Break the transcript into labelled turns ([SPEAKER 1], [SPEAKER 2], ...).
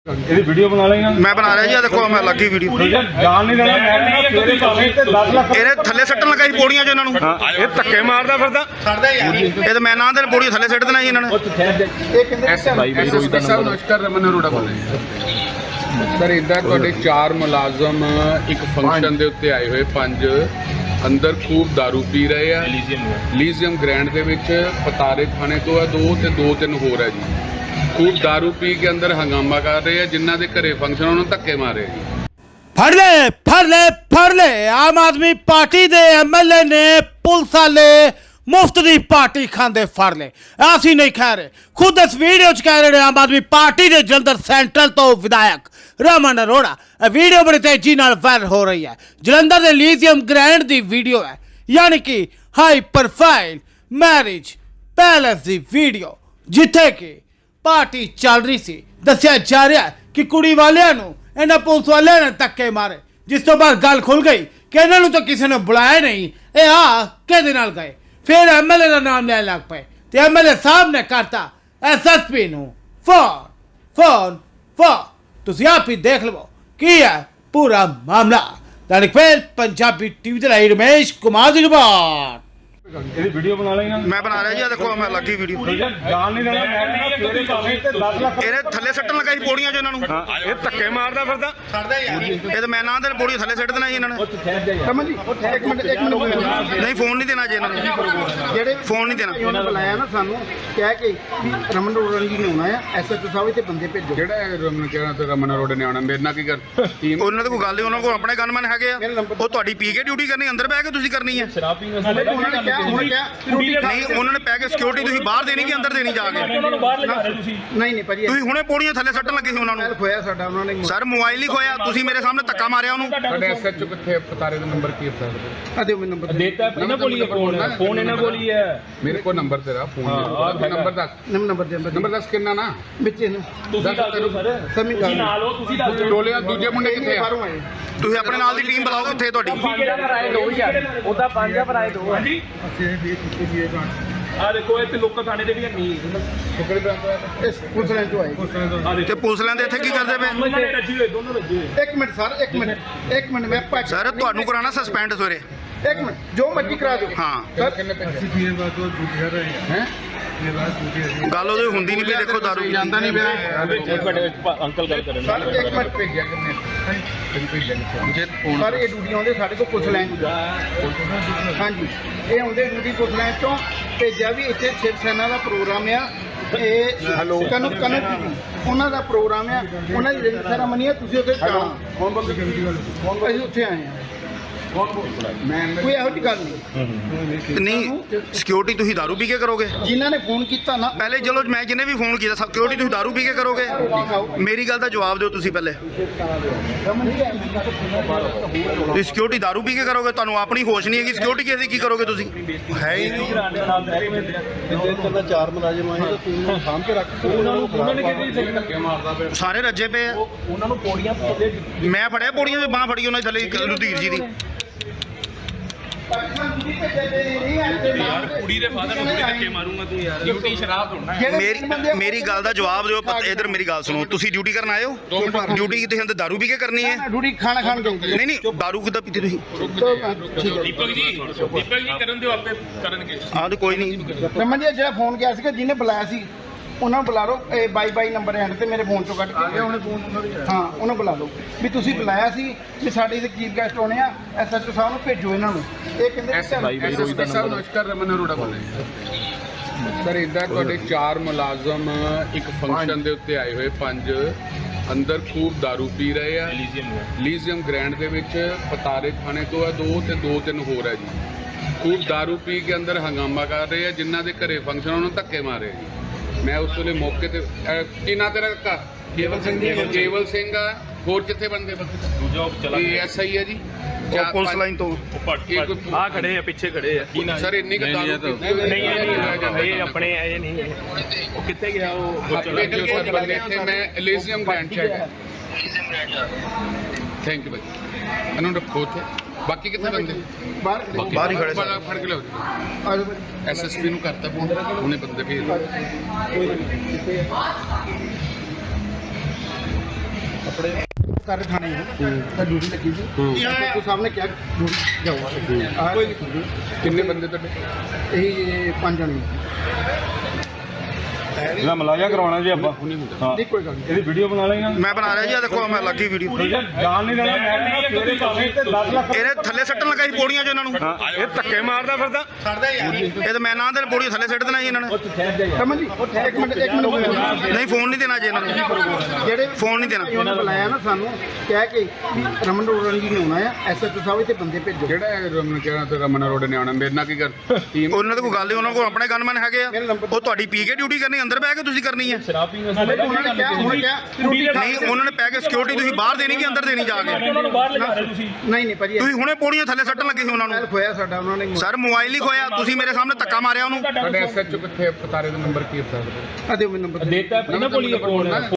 [SPEAKER 1] Video बना लेंगे
[SPEAKER 2] मैं बना रहा जी, देखो मैं लगी वीडियो
[SPEAKER 1] जान नहीं देना
[SPEAKER 2] ਇਹਨੇ ਥੱਲੇ ਸੱਟਣ ਲੱਗਾ ਸੀ ਪੌੜੀਆਂ 'ਚ ਇਹਨਾਂ ਨੂੰ।
[SPEAKER 1] ਇਹ ਧੱਕੇ ਮਾਰਦਾ ਫਿਰਦਾ
[SPEAKER 2] ਇਹ ਤਾਂ ਮੈਂ ਨਾ ਦੇ ਪੌੜੀ ਥੱਲੇ ਸੱਟ ਦੇਣਾ ਸੀ ਇਹਨਾਂ ਨੇ।
[SPEAKER 3] ਨਮਸਕਾਰ, ਰਮਨ ਅਰੋੜਾ ਬੋਲ ਰਿਹਾ ਸਰ। ਇੱਦਾਂ ਤੁਹਾਡੇ 4 ਮੁਲਾਜ਼ਮ ਇੱਕ ਫੰਕਸ਼ਨ ਦੇ ਉੱਤੇ ਆਏ ਹੋਏ, 5 ਅੰਦਰ ਖੂਬ दारू ਪੀ ਰਹੇ ਆ ਲੀਜ਼ੀਅਮ ਗ੍ਰੈਂਡ ਦੇ ਵਿੱਚ। ਪਤਾਰੇ ਥਾਣੇ ਤੋਂ ਆ 2 ਤੇ 2-3 ਹੋਰ ਹੈ ਜੀ। खूब दारू पी के अंदर हंगामा कर रहे हैं, जिन्हों के घरे फंक्शन उन्होंने धक्के मारे जी।
[SPEAKER 4] फड़ ले आम आदमी पार्टी दे MLA ने पुलिस वाले मुफ्त दी पार्टी खांदे फड़ ले। ਅਸੀਂ नहीं कह रहे, खुद इस वीडियो च कह रहे आम आदमी पार्टी दे जलंधर सेंट्रल तो विधायक रमन अरोड़ा। वीडियो बड़ी तेजी नाल वायरल हो रही है। जलंधर दे लीथियम ग्रैंड दी वीडियो है, यानी कि हाई प्रोफाइल मैरिज पैलेस दी वीडियो, जिथे कि पार्टी चल रही सी। दसिया जा रहा है कि कुड़ी वालियां नूं इन्हां पुलिस वालियां ने धक्के मारे, जिस तो बाद गल खुल गई कि इन्हां नूं तो किसी ने बुलाया नहीं, ये किहदे नाल गए। फिर MLA का नाम लैन लग पे ते MLA साहब ने करता SSP नूं फोन। तुसीं आप ही देख लो की है पूरा मामला। दैनिक मेल पंजाबी TV ਦੇ ਲਈ रमेश कुमार ਦੀ रिपोर्ट।
[SPEAKER 1] वीडियो बना लेंगे
[SPEAKER 2] मैं बना रहा जी, देखो मैं लगी वीडियो
[SPEAKER 1] जान नहीं देना
[SPEAKER 2] ਇਹਨੇ ਥੱਲੇ ਸੱਟਣ ਲੱਗਾ ਸੀ ਪੌੜੀਆਂ 'ਚ ਇਹਨਾਂ ਨੂੰ।
[SPEAKER 1] ਇਹ ਧੱਕੇ ਮਾਰਦਾ ਫਿਰਦਾ
[SPEAKER 2] ਇਹ ਤਾਂ ਮੈਂ ਨਾ ਦੇ ਪੌੜੀ ਥੱਲੇ ਸੱਟ ਦੇਣਾ ਸੀ ਇਹਨਾਂ ਨੇ।
[SPEAKER 3] ਰਮਨ ਜੀ ਇੱਕ ਮਿੰਟ
[SPEAKER 2] ਨਹੀਂ ਫੋਨ ਨਹੀਂ ਦੇਣਾ ਜੀ ਇਹਨਾਂ ਨੂੰ,
[SPEAKER 3] ਜਿਹੜੇ
[SPEAKER 2] ਫੋਨ ਨਹੀਂ ਦੇਣਾ।
[SPEAKER 3] ਉਹਨਾਂ ਬੁਲਾਇਆ ਨਾ ਸਾਨੂੰ ਕਹਿ ਕੇ ਵੀ ਰਮਨ ਅਰੋੜਾ ਜੀ ਨੇ ਆਉਣਾ ਆ, SHO ਸਾਹਿਬ ਤੇ ਬੰਦੇ ਭੇਜੋ। ਜਿਹੜਾ ਰਮਨ ਕਹਿਣਾ ਤੇ ਰਮਨ ਅਰੋੜਾ ਨੇ ਆਉਣਾ, ਮੇਰੇ ਨਾਲ ਕੀ ਕਰ ਟੀਮ
[SPEAKER 2] ਉਹਨਾਂ ਦੇ ਕੋਈ ਗੱਲ ਨਹੀਂ, ਉਹਨਾਂ ਕੋਲ ਆਪਣੇ ਗਨਮੈਨ ਹੈਗੇ ਆ। ਉਹ ਤੁਹਾਡੀ ਪੀ ਕੇ ਡਿਊਟੀ ਕਰਨੀ, ਅੰਦਰ ਬਹਿ ਕੇ ਤੁਸੀਂ ਕਰਨੀ ਹੈ।
[SPEAKER 1] शराब पीने
[SPEAKER 3] ਉਹਨਾਂ ਨੇ ਕਿਹਾ
[SPEAKER 2] ਨਹੀਂ ਉਹਨਾਂ ਨੇ ਪੈ ਕੇ ਸਿਕਿਉਰਿਟੀ ਤੁਸੀਂ ਬਾਹਰ ਦੇਣੀ ਕਿ ਅੰਦਰ ਦੇਣੀ ਜਾ ਕੇ।
[SPEAKER 3] ਨਹੀਂ ਭਾਜੀ,
[SPEAKER 2] ਤੁਸੀਂ ਹੁਣੇ ਪੌੜੀਆਂ ਥੱਲੇ ਸੱਟਣ ਲੱਗੇ ਸੀ ਉਹਨਾਂ ਨੂੰ।
[SPEAKER 3] ਖੋਇਆ ਸਾਡਾ ਉਹਨਾਂ ਨੇ।
[SPEAKER 2] ਸਰ ਮੋਬਾਈਲ ਹੀ ਖੋਇਆ, ਤੁਸੀਂ ਮੇਰੇ ਸਾਹਮਣੇ ਧੱਕਾ ਮਾਰਿਆ ਉਹਨੂੰ।
[SPEAKER 3] ਸਾਡੇ SHO ਕਿੱਥੇ ਪਤਾਰੇ ਦਾ ਨੰਬਰ ਕੀ ਹੈ? ਆ ਦਿਓ ਮੈਨੂੰ ਨੰਬਰ।
[SPEAKER 1] देता है इन्हें बोलिए फोन इन्हें बोलिए
[SPEAKER 3] ਮੇਰੇ ਕੋਲ ਨੰਬਰ ਤੇਰਾ ਫੋਨ ਨੰਬਰ ਦੱਸ। ਨੰਬਰ ਦੱਸ ਕਿੰਨਾ ਨਾ
[SPEAKER 4] ਵਿੱਚ ਇਹਨੂੰ
[SPEAKER 1] ਤੁਸੀਂ ਦੱਸ ਦਿਓ ਸਰ,
[SPEAKER 4] ਸਮੀ
[SPEAKER 1] ਤੁਸੀਂ ਨਾਲ ਹੋ, ਤੁਸੀਂ ਦੱਸ ਦਿਓ।
[SPEAKER 3] ਟੋਲੇ ਦੂਜੇ ਮੁੰਡੇ ਕਿੱਥੇ ਆ?
[SPEAKER 4] ਬਾਹਰੋਂ ਆਏ।
[SPEAKER 2] ਤੁਸੀਂ ਆਪਣੇ ਨਾਲ ਦੀ ਟੀਮ ਬੁਲਾਓ, ਕਿੱਥੇ ਤੁਹਾਡੀ?
[SPEAKER 1] ਉਹਦਾ 5 ਭਰਾਏ 2 ਹਾਂਜੀ। ਆ ਦੇਖੋ ਇੱਥੇ ਲੋਕਾਂ ਥਾਣੇ ਦੇ ਵੀ ਨਹੀਂ
[SPEAKER 4] ਇਸ ਪੁਲਿਸ ਲਾਈਨ ਤੋਂ ਆਏ।
[SPEAKER 2] ਤੇ ਪੁਲਿਸ ਲੈਂਦੇ ਇੱਥੇ ਕੀ ਕਰਦੇ ਪਏ?
[SPEAKER 1] ਦੋਨੋਂ ਰੱਜੀ ਹੋਏ, ਦੋਨੋਂ ਰੱਜੀ ਹੋਏ।
[SPEAKER 4] ਇੱਕ ਮਿੰਟ ਸਰ, ਇੱਕ ਮਿੰਟ ਮੈਂ ਭੱਜ।
[SPEAKER 2] ਸਰ ਤੁਹਾਨੂੰ ਕਰਾਣਾ ਸਸਪੈਂਡ ਸਵੇਰੇ।
[SPEAKER 4] ਇੱਕ ਮਿੰਟ ਜੋ ਮਰਜ਼ੀ ਕਰਾ ਦਿਓ।
[SPEAKER 2] ਹਾਂ
[SPEAKER 4] ਸਰ
[SPEAKER 3] ਕਿੰਨੇ ਪੈਸੇ ਹੈ
[SPEAKER 2] ਗੱਲ ਉਹਦੀ ਹੁੰਦੀ ਨਹੀਂ ਪਈ, ਦੇਖੋ ਦਾਰੂ
[SPEAKER 3] ਜਾਂਦਾ ਨਹੀਂ ਪਿਆ।
[SPEAKER 1] ਅੰਕਲ ਗੱਲ ਕਰਨ
[SPEAKER 4] ਸਰ ਇੱਕ ਮਿੰਟ
[SPEAKER 3] ਭੇਜਿਆ ਕਿੰਨੇ ਜੇ
[SPEAKER 4] ਸਰ ਇਹ ਡਿਊਟੀ ਆਉਂਦੇ ਸਾਡੇ ਕੋਲ ਪੁਲਿਸ ਲਾਈਨ ਤੋਂ। ਹਾਂਜੀ ਇਹ ਆਉਂਦੇ ਡਿਊਟੀ ਪੁਲਿਸ ਲਾਈਨ ਤੋਂ। ਭੇਜਿਆ ਵੀ ਇੱਥੇ ਸ਼ਿਵ ਸੈਨਾ ਦਾ ਪ੍ਰੋਗਰਾਮ ਆ, ਇਹ ਕਨਕ ਉਹਨਾਂ ਦਾ ਪ੍ਰੋਗਰਾਮ ਆ, ਉਹਨਾਂ ਦੀ ਰਿੰਗ ਸੈਰਾਮਨੀ ਆ। ਤੁਸੀਂ ਉੱਥੇ ਜਾਣਾ। ਅਸੀਂ ਉੱਥੇ ਆਏ ਹਾਂ। ਕੋਈ ਇਹੋ ਜਿਹੀ ਗੱਲ ਨਹੀਂ।
[SPEAKER 2] ਨਹੀਂ ਸਿਕਿਉਰਿਟੀ ਤੁਸੀਂ ਦਾਰੂ ਪੀ ਕੇ ਕਰੋਗੇ?
[SPEAKER 4] ਜਿਨ੍ਹਾਂ ਨੇ ਫੋਨ ਕੀਤਾ ਨਾ
[SPEAKER 2] ਪਹਿਲੇ ਚਲੋ ਮੈਂ ਜਿਹਨੇ ਵੀ ਫੋਨ ਕੀਤਾ ਸਿਕਿਉਰਿਟੀ ਤੁਸੀਂ ਦਾਰੂ ਪੀ ਕੇ ਕਰੋਗੇ? ਮੇਰੀ ਗੱਲ ਦਾ ਜਵਾਬ ਦਿਓ ਤੁਸੀਂ ਪਹਿਲੇ। ਤੁਸੀਂ ਸਿਕਿਉਰਿਟੀ ਦਾਰੂ ਪੀ ਕੇ ਕਰੋਗੇ? ਤੁਹਾਨੂੰ ਆਪਣੀ ਹੋਸ਼ ਨਹੀਂ ਹੈਗੀ, ਸਿਕਿਉਰਿਟੀ ਕਿਸੇ ਦੀ ਕੀ ਕਰੋਗੇ ਤੁਸੀਂ? ਹੈ ਹੀ ਨਹੀਂ।
[SPEAKER 4] 4 ਮੁਲਾਜ਼ਮ ਆਏ ਤਾਂ ਤੁਸੀਂ ਸਾਹਮਣੇ ਰੱਖ
[SPEAKER 1] ਉਹਨਾਂ ਨੇ ਕਿਹਦੀ ਧੱਕੇ ਮਾਰਦਾ ਪਿਆ?
[SPEAKER 2] ਸਾਰੇ ਰੱਜੇ ਪਏ ਆ।
[SPEAKER 1] ਉਹਨਾਂ ਨੂੰ ਪੌੜੀਆਂ
[SPEAKER 2] ਮੈਂ ਫੜਿਆ ਪੌੜੀਆਂ ਦੀ ਬਾਹ ਫੜੀ ਉਹਨਾਂ ਦੀ ਥੱਲੇ ਲੁਧੀਰ ਜੀ ਦੀ।
[SPEAKER 1] ਯਾਰ ਕੁੜੀ ਦੇ ਫਾਦਰ ਨੂੰ ਧੱਕੇ ਮਾਰੂੰਗਾ ਤੂੰ ਯਾਰ। ਡਿਊਟੀ ਸ਼ਰਾਬ ਹੋਣਾ।
[SPEAKER 2] ਮੇਰੀ ਗੱਲ ਦਾ ਜਵਾਬ ਦਿਓ। ਇਧਰ ਮੇਰੀ ਗੱਲ ਸੁਣੋ, ਤੁਸੀਂ ਡਿਊਟੀ ਕਰਨ ਆਏ ਹੋ? ਡਿਊਟੀ ਕਿਤੇ ਅੰਦਰ ਦਾਰੂ ਪੀ ਕੇ ਕਰਨੀ ਹੈ?
[SPEAKER 4] ਡਿਊਟੀ ਖਾਣਾ ਖਾਣ ਗਏ।
[SPEAKER 2] ਨਹੀਂ ਦਾਰੂ ਕਿੱਦਾਂ ਪੀਤੀ ਤੁਸੀਂ?
[SPEAKER 1] ਦੀਪਕ ਜੀ ਕਰਨ ਦਿਓ, ਆਪੇ ਕਰਨਗੇ।
[SPEAKER 2] ਆਹ ਤਾਂ ਕੋਈ ਨਹੀਂ।
[SPEAKER 4] ਰਮਨ ਜੀ ਜਿਹੜਾ ਫੋਨ ਗਿਆ ਸੀਗਾ, ਜਿਹਨੇ ਬੁਲਾਇਆ ਸੀ ਉਹਨਾਂ ਨੂੰ ਬੁਲਾ ਲਓ। ਇਹ 22 ਨੰਬਰ ਐਂਡ ਤੇ ਮੇਰੇ ਫੋਨ ਚੋਂ ਕੱਢ ਕੇ ਹਾਂ ਉਹਨਾਂ ਬੁਲਾ ਲਓ ਵੀ ਤੁਸੀਂ ਬੁਲਾਇਆ ਸੀ ਵੀ ਸਾਡੇ ਦੇ ਚੀਫ ਗੈਸਟ ਆਉਣੇ ਆ, SHO ਸਾਹਿਬ ਨੂੰ ਭੇਜੋ ਇਹਨਾਂ ਨੂੰ। ਇਹ ਕਹਿੰਦੇ
[SPEAKER 3] SSP ਸਾਹਿਬ ਨਮਸਕਾਰ, ਰਮਨ ਅਰੋੜਾ ਬੋਲ ਰਿਹਾ ਸਰ। ਇੱਦਾਂ ਤੁਹਾਡੇ 4 ਮੁਲਾਜ਼ਮ ਇੱਕ ਫੰਕਸ਼ਨ ਦੇ ਉੱਤੇ ਆਏ ਹੋਏ, 5 ਅੰਦਰ ਖੂਬ दारू ਪੀ ਰਹੇ ਆ ਲੀਜ਼ੀਅਮ ਗ੍ਰੈਂਡ ਦੇ ਵਿੱਚ। ਪਤਾਰੇ ਥਾਣੇ ਤੋਂ ਆ 2 ਤੇ 2-3 ਹੋਰ ਹੈ ਜੀ। ਖੂਬ दारू ਪੀ ਕੇ ਅੰਦਰ ਹੰਗਾਮਾ ਕਰ ਰਹੇ ਆ, ਜਿਨ੍ਹਾਂ ਦੇ ਘਰੇ ਫੰਕਸ਼ਨ ਉਹਨਾਂ ਨੂੰ ਧੱਕੇ ਮਾਰੇ ਜੀ। ਮੈਂ ਉਸ ਵੇਲੇ ਮੌਕੇ ਤੇ ਕੀ ਨਾਂ ਤੇਰਾ ਕਾਕਾ? ਕੇਵਲ ਸਿੰਘ ਆ। ਹੋਰ ਕਿੱਥੇ ਬੰਦੇ? SI ਹੈ ਜੀ
[SPEAKER 2] ਪੁਲਿਸ ਲਾਈਨ ਤੋਂ।
[SPEAKER 1] ਆ ਖੜੇ ਆ, ਪਿੱਛੇ ਖੜੇ ਆ।
[SPEAKER 3] ਸਰ ਇੰਨੀ ਕੁ ਦਾਰੂ
[SPEAKER 1] ਨਹੀਂ ਇਹ ਆਪਣੇ ਆਏ ਨਹੀਂ। ਉਹ ਕਿੱਥੇ ਗਿਆ? ਉਹ
[SPEAKER 3] ਬੰਦੇ ਇੱਥੇ ਮੈਂ ਲੀਜ਼ੀਅਮ ਗ੍ਰੈਂਡ ਚ ਹੈਗਾ। ਥੈਂਕ ਯੂ ਭਾਈ, ਇਹਨੂੰ ਰੱਖੋ ਉੱਥੇ। ਬਾਕੀ ਕਿੱਥੇ ਬੰਦੇ?
[SPEAKER 2] ਬਾਹਰ ਹੀ ਖੜੇ ਸਨ।
[SPEAKER 3] ਫੜ ਕੇ ਲਿਓ SSP ਨੂੰ ਕਰਤਾ ਫੋਨ, ਉਹਨੇ ਬੰਦੇ ਭੇਜ ਦਿੱਤੇ।
[SPEAKER 5] ਕਰ ਥਾਣੇ ਤਾਂ ਡਿਊਟੀ ਲੱਗੀ ਸੀ तो सामने क्या ड्यूटी जाओ
[SPEAKER 3] ਕਿੰਨੇ ਬੰਦੇ ਤੁਹਾਡੇ
[SPEAKER 5] यही 5 जने
[SPEAKER 1] ਇਹਦਾ ਮਲਾਜਾ ਕਰਵਾਉਣਾ ਜੀ ਆਪਾਂ ਹਾਂ
[SPEAKER 5] नहीं कोई गल नहीं
[SPEAKER 1] ਇਹਦੀ ਵੀਡੀਓ ਬਣਾ ਲੈਣਾ
[SPEAKER 2] ਮੈਂ ਬਣਾ ਰਿਹਾ ਜੀ, ਆ ਦੇਖੋ ਮੈਂ ਲੱਗੀ ਵੀਡੀਓ।
[SPEAKER 1] ਜਾਣ ਨਹੀਂ ਦੇਣਾ ਮੈਂ ਤੇਰੇ ਭਾਵੇਂ ਤੇ 10 ਲੱਖ
[SPEAKER 2] ਇਹਨੇ ਥੱਲੇ ਸੱਟਣ ਲੱਗਾ ਸੀ ਪੌੜੀਆਂ 'ਚ ਇਹਨਾਂ ਨੂੰ।
[SPEAKER 1] ਹਾਂ ਇਹ ਧੱਕੇ ਮਾਰਦਾ ਫਿਰਦਾ
[SPEAKER 2] ਇਹ ਤਾਂ ਮੈਂ ਨਾ ਦੇ ਪੌੜੀਆਂ ਥੱਲੇ ਸੱਟ ਦੇਣਾ ਜੀ ਇਹਨਾਂ ਨੇ।
[SPEAKER 5] समझ जी एक मिनट
[SPEAKER 2] ਨਹੀਂ ਫੋਨ ਨਹੀਂ ਦੇਣਾ ਜੀ ਇਹਨਾਂ ਨੂੰ,
[SPEAKER 5] ਜਿਹੜੇ
[SPEAKER 2] ਫੋਨ ਨਹੀਂ ਦੇਣਾ।
[SPEAKER 5] ਉਹਨਾਂ ਬੁਲਾਇਆ ਨਾ ਸਾਨੂੰ ਕਹਿ ਕੇ ਵੀ ਰਮਨ ਰੋੜਨ ਜੀ ਨੇ ਆਉਣਾ ਆ ਐਸਐਚਓ ਸਾਹਿਬ ਇੱਥੇ ਬੰਦੇ ਭੇਜੋ
[SPEAKER 3] ਜਿਹੜਾ ਰਮਨ ਕਹਿਣਾ ਤੇ ਰਮਨ ਅਰੋੜਾ ਨੇ ਆਉਣਾ ਮੇਰੇ ਨਾਲ ਕੀ ਕਰ ਟੀਮ
[SPEAKER 2] ਉਹਨਾਂ ਦੀ ਕੋਈ ਗੱਲ ਨਹੀਂ, ਉਹਨਾਂ ਕੋਲ ਆਪਣੇ ਗਨਮੈਨ ਹੈਗੇ ਆ। ਉਹ ਤੁਹਾਡੀ ਪੀ ਕੇ ਡਿਊਟੀ ਕਰਨੀ, ਅੰਦਰ ਬਹਿ ਕੇ ਤੁਸੀਂ ਕਰਨੀ ਹੈ।
[SPEAKER 5] ਉਹਨਾਂ ਨੇ ਕਿਹਾ
[SPEAKER 2] ਨਹੀਂ ਉਹਨਾਂ ਨੇ ਪੈ ਕੇ ਸਿਕਿਉਰਿਟੀ ਤੁਸੀਂ ਬਾਹਰ ਦੇਣੀ ਕਿ ਅੰਦਰ ਦੇਣੀ ਜਾ ਕੇ?
[SPEAKER 1] ਉਹਨਾਂ ਨੂੰ ਬਾਹਰ ਲਿਜਾ ਰਹੇ ਤੁਸੀਂ
[SPEAKER 5] ਨਹੀਂ ਨਹੀਂ ਭਾਜੀ
[SPEAKER 2] ਤੁਸੀਂ ਹੁਣੇ ਪੌੜੀਆਂ ਥੱਲੇ ਸੱਟਣ ਲੱਗੇ ਸੀ ਉਹਨਾਂ ਨੂੰ।
[SPEAKER 5] ਖੋਇਆ ਸਾਡਾ ਉਹਨਾਂ ਨੇ
[SPEAKER 2] ਸਰ ਮੋਬਾਈਲ ਹੀ ਖੋਇਆ, ਤੁਸੀਂ ਮੇਰੇ ਸਾਹਮਣੇ ਧੱਕਾ ਮਾਰਿਆ ਉਹਨੂੰ।
[SPEAKER 3] ਤੁਹਾਡੇ ਐਸਐਚਓ ਕਿੱਥੇ ਪਤਾਰੇ ਦਾ ਨੰਬਰ ਕੀ ਹੈ
[SPEAKER 5] ਆ ਦਿਓ ਮੈਨੂੰ ਨੰਬਰ
[SPEAKER 1] ਦੇਤਾ ਇਹਨਾਂ ਕੋਲ ਹੀ ਕੋਲ